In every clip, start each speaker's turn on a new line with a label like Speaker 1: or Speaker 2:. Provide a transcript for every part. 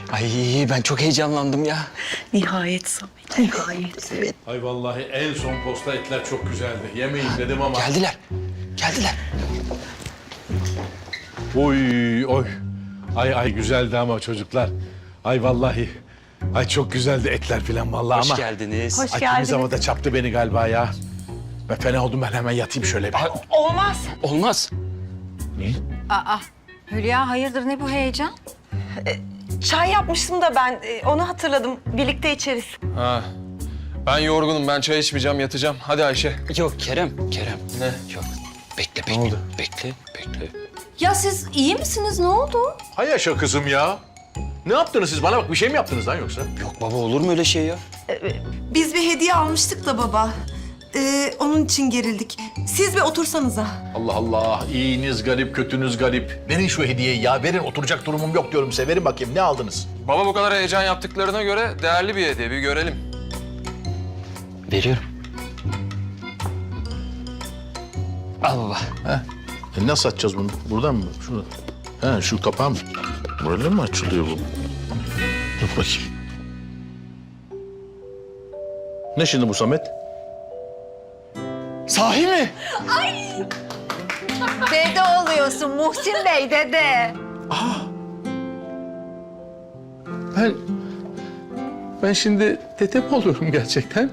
Speaker 1: Ay ben çok heyecanlandım ya.
Speaker 2: Nihayet Samet, nihayet.
Speaker 1: Evet.
Speaker 3: Ay vallahi en son posta etler çok güzeldi. Yemeyin dedim ama...
Speaker 1: Geldiler. Geldiler.
Speaker 3: Oy oy. Ay güzeldi ama çocuklar. Ay vallahi. Ay çok güzeldi etler falan vallahi
Speaker 1: Hoş
Speaker 3: ama...
Speaker 1: geldiniz.
Speaker 2: Hoş
Speaker 3: Ay
Speaker 2: geldiniz.
Speaker 3: temiz havada çaptı beni galiba ya. Ben fena oldum, ben hemen yatayım şöyle bir.
Speaker 2: Olmaz.
Speaker 1: Olmaz.
Speaker 4: Aa, Hülya hayırdır ne bu heyecan?
Speaker 2: Çay yapmıştım da ben onu hatırladım. Birlikte içeriz.
Speaker 5: Ha. Ben yorgunum. Ben çay içmeyeceğim, yatacağım. Hadi Ayşe.
Speaker 1: Yok Kerem.
Speaker 5: Ne?
Speaker 1: Yok. Bekle bekle.
Speaker 3: oldu?
Speaker 1: Bekle bekle.
Speaker 4: Ya siz iyi misiniz? Ne oldu?
Speaker 3: Hay yaşa kızım ya. Ne yaptınız siz? Bana bak, bir şey mi yaptınız lan yoksa?
Speaker 1: Yok baba, olur mu öyle şey ya?
Speaker 6: Biz bir hediye almıştık da baba. Onun için gerildik. Siz bir otursanıza.
Speaker 3: Allah Allah. İyiniz garip, kötünüz garip. Verin şu hediyeyi ya. Verin, oturacak durumum yok diyorum size. Verin bakayım, ne aldınız?
Speaker 5: Baba bu kadar heyecan yaptıklarına göre değerli bir hediye. Bir görelim.
Speaker 1: Veriyorum. Al baba.
Speaker 3: Nasıl açacağız bunu? Buradan mı? Şunu. He, şu kapağı mı? Böyle mi açılıyor bu? Dur bakayım. Ne şimdi bu Samet?
Speaker 1: Sahi mi?
Speaker 4: Dede oluyorsun Muhsin Bey dede.
Speaker 3: Ben şimdi dede mi oluyorum gerçekten?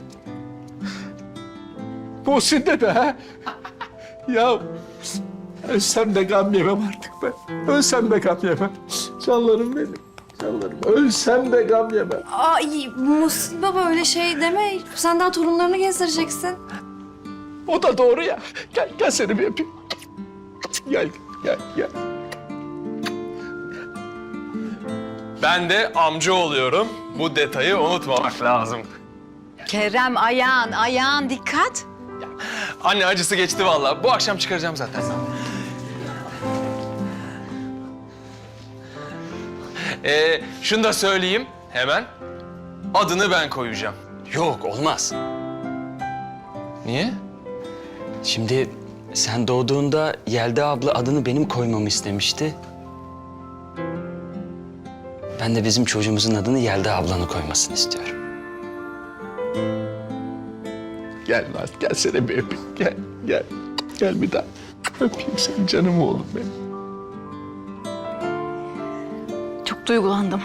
Speaker 3: Muhsin dede ha? Ya ölsem de gam yemem artık ben. Ölsem de gam yemem. Canlarım benim. Canlarım. Ölsem de gam yemem.
Speaker 4: Ay Muhsin baba öyle şey deme. Sen daha torunlarını gezdireceksin.
Speaker 3: O da doğru ya. Gel seni bir öpeyim. Gel.
Speaker 5: Ben de amca oluyorum. Bu detayı unutmamak lazım.
Speaker 4: Kerem ayağın dikkat.
Speaker 5: Anne acısı geçti vallahi. Bu akşam çıkaracağım zaten. Şunu da söyleyeyim hemen. Adını ben koyacağım.
Speaker 1: Yok olmaz.
Speaker 5: Niye?
Speaker 1: Şimdi sen doğduğunda Yelda abla adını benim koymamı istemişti. Ben de bizim çocuğumuzun adını Yelda ablanın koymasını istiyorum.
Speaker 3: Gel lan. Gel seni bir öpeyim. Gel. Gel bir daha. Öpeyim seni canım oğlum benim.
Speaker 4: Çok duygulandım.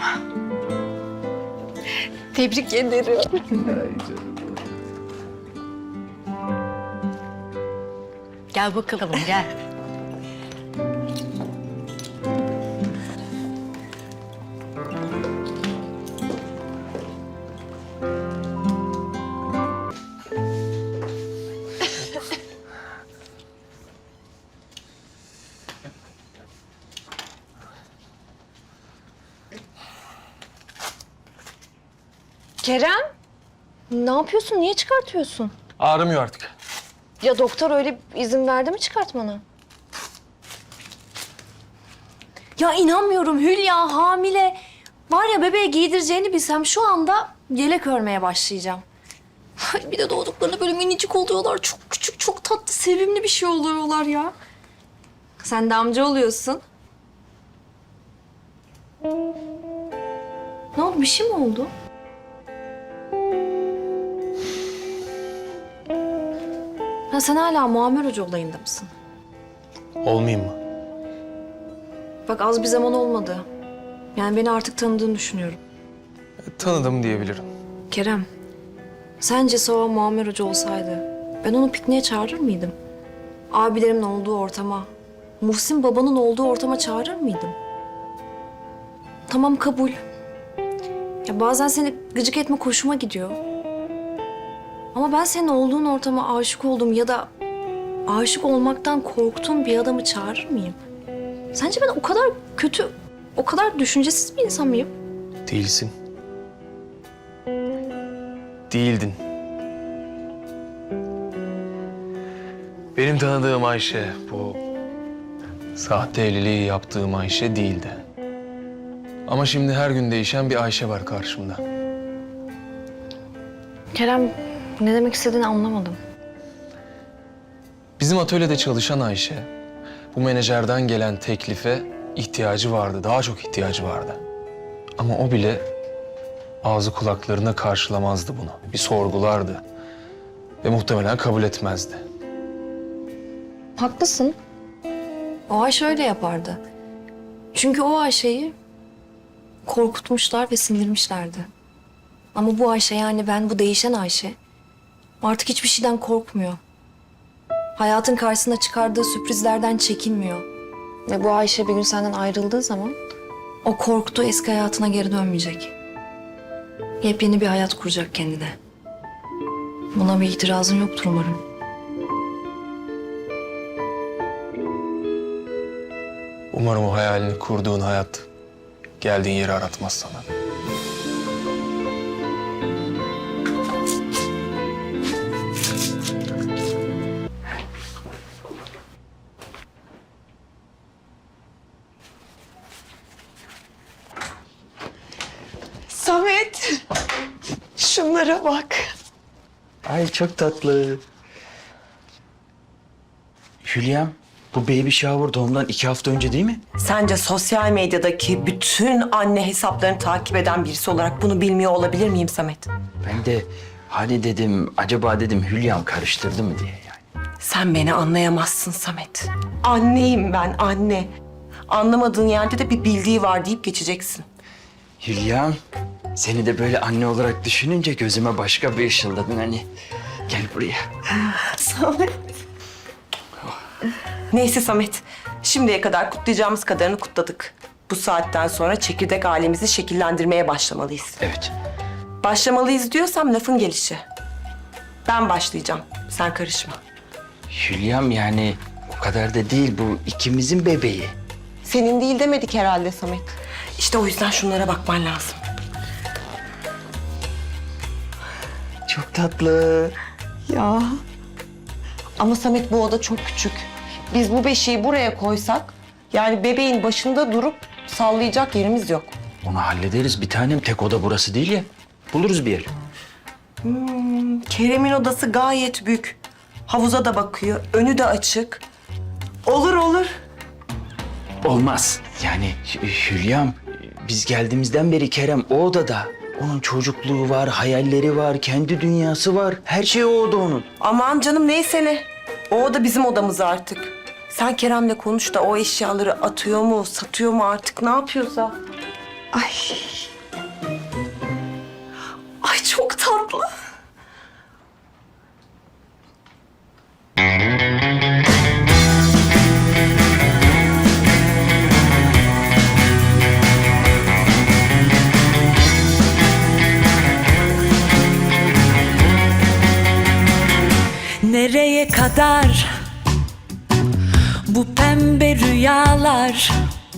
Speaker 4: Tebrik ederim. Gel bakalım gel.
Speaker 7: Kerem, ne yapıyorsun? Niye çıkartıyorsun?
Speaker 5: Ağrımıyor artık.
Speaker 7: Ya doktor öyle izin verdi mi çıkartmana? Ya inanmıyorum Hülya hamile. Var ya bebeğe giydireceğini bilsem şu anda yelek örmeye başlayacağım. Ay, bir de doğduklarında böyle minicik oluyorlar. Çok küçük, çok tatlı, sevimli bir şey oluyorlar ya. Sen de amca oluyorsun. Ne oldu? Bir şey mi oldu? Ha, sen hala Muammer Hoca olayında mısın?
Speaker 5: Olmayayım mı?
Speaker 7: Bak az bir zaman olmadı. Yani beni artık tanıdığını düşünüyorum.
Speaker 5: Tanıdım diyebilirim.
Speaker 7: Kerem, sence Sova Muammer Hoca olsaydı ben onu pikniğe çağırır mıydım? Abilerimin olduğu ortama, Muhsin babanın olduğu ortama çağırır mıydım? Tamam kabul. Ya bazen seni gıcık etme hoşuma gidiyor. Ama ben senin olduğun ortama aşık oldum ya da aşık olmaktan korktuğum bir adamı çağırır mıyım? Sence ben o kadar kötü, o kadar düşüncesiz bir insan mıyım?
Speaker 5: Değilsin. Değildin. Benim tanıdığım Ayşe, bu sahte evliliği yaptığım Ayşe değildi. Ama şimdi her gün değişen bir Ayşe var karşımda.
Speaker 7: Kerem, ne demek istediğini anlamadım.
Speaker 5: Bizim atölyede çalışan Ayşe, bu menajerden gelen teklife ihtiyacı vardı, daha çok ihtiyacı vardı. Ama o bile ağzı kulaklarına karşılamazdı bunu. Bir sorgulardı. Ve muhtemelen kabul etmezdi.
Speaker 7: Haklısın. O Ayşe öyle yapardı. Çünkü o Ayşe'yi korkutmuşlar ve sindirmişlerdi. Ama bu Ayşe, yani ben, bu değişen Ayşe artık hiçbir şeyden korkmuyor. Hayatın karşısına çıkardığı sürprizlerden çekinmiyor. Ve bu Ayşe bir gün senden ayrıldığı zaman o korktuğu eski hayatına geri dönmeyecek. Yepyeni bir hayat kuracak kendine. Buna bir itirazın yoktur umarım.
Speaker 5: Umarım o hayalini kurduğun hayat geldiğin yeri aratmaz sana.
Speaker 2: Samet, şunlara bak.
Speaker 1: Ay çok tatlı. Hülya'm, bu baby shower doğumdan 2 hafta önce değil mi?
Speaker 2: Sence sosyal medyadaki bütün anne hesaplarını takip eden birisi olarak bunu bilmiyor olabilir miyim Samet?
Speaker 1: Ben de hani dedim, acaba dedim Hülya'm karıştırdı mı diye yani.
Speaker 2: Sen beni anlayamazsın Samet. Anneyim ben, anne. Anlamadığın yerde de bir bildiği var deyip geçeceksin.
Speaker 1: Hülya'm, seni de böyle anne olarak düşününce gözüme başka bir ışıldadın hani. Gel buraya.
Speaker 2: Samet. Neyse Samet, şimdiye kadar kutlayacağımız kadarını kutladık. Bu saatten sonra çekirdek ailemizi şekillendirmeye başlamalıyız.
Speaker 1: Evet.
Speaker 2: Başlamalıyız diyorsam lafın gelişi. Ben başlayacağım, sen karışma.
Speaker 1: Hülya'm, yani o kadar da değil, bu ikimizin bebeği.
Speaker 2: Senin değil demedik herhalde Samet. İşte o yüzden şunlara bakman lazım.
Speaker 1: Çok tatlı.
Speaker 2: Ya. Ama Samet, bu oda çok küçük. Biz bu beşiği buraya koysak, yani bebeğin başında durup sallayacak yerimiz yok.
Speaker 1: Onu hallederiz bir tanem, tek oda burası değil ya. Buluruz bir yer.
Speaker 2: Kerem'in odası gayet büyük. Havuza da bakıyor, önü de açık. Olur olur.
Speaker 1: Olmaz. Yani Hülya'm, biz geldiğimizden beri Kerem o odada. Onun çocukluğu var, hayalleri var, kendi dünyası var. Her şey o oda onun.
Speaker 2: Aman canım, neyse ne. O oda bizim odamız artık. Sen Kerem'le konuş da o eşyaları atıyor mu, satıyor mu artık, ne yapıyorsa. Ay. Ay çok tatlı.
Speaker 8: Nereye kadar bu pembe rüyalar?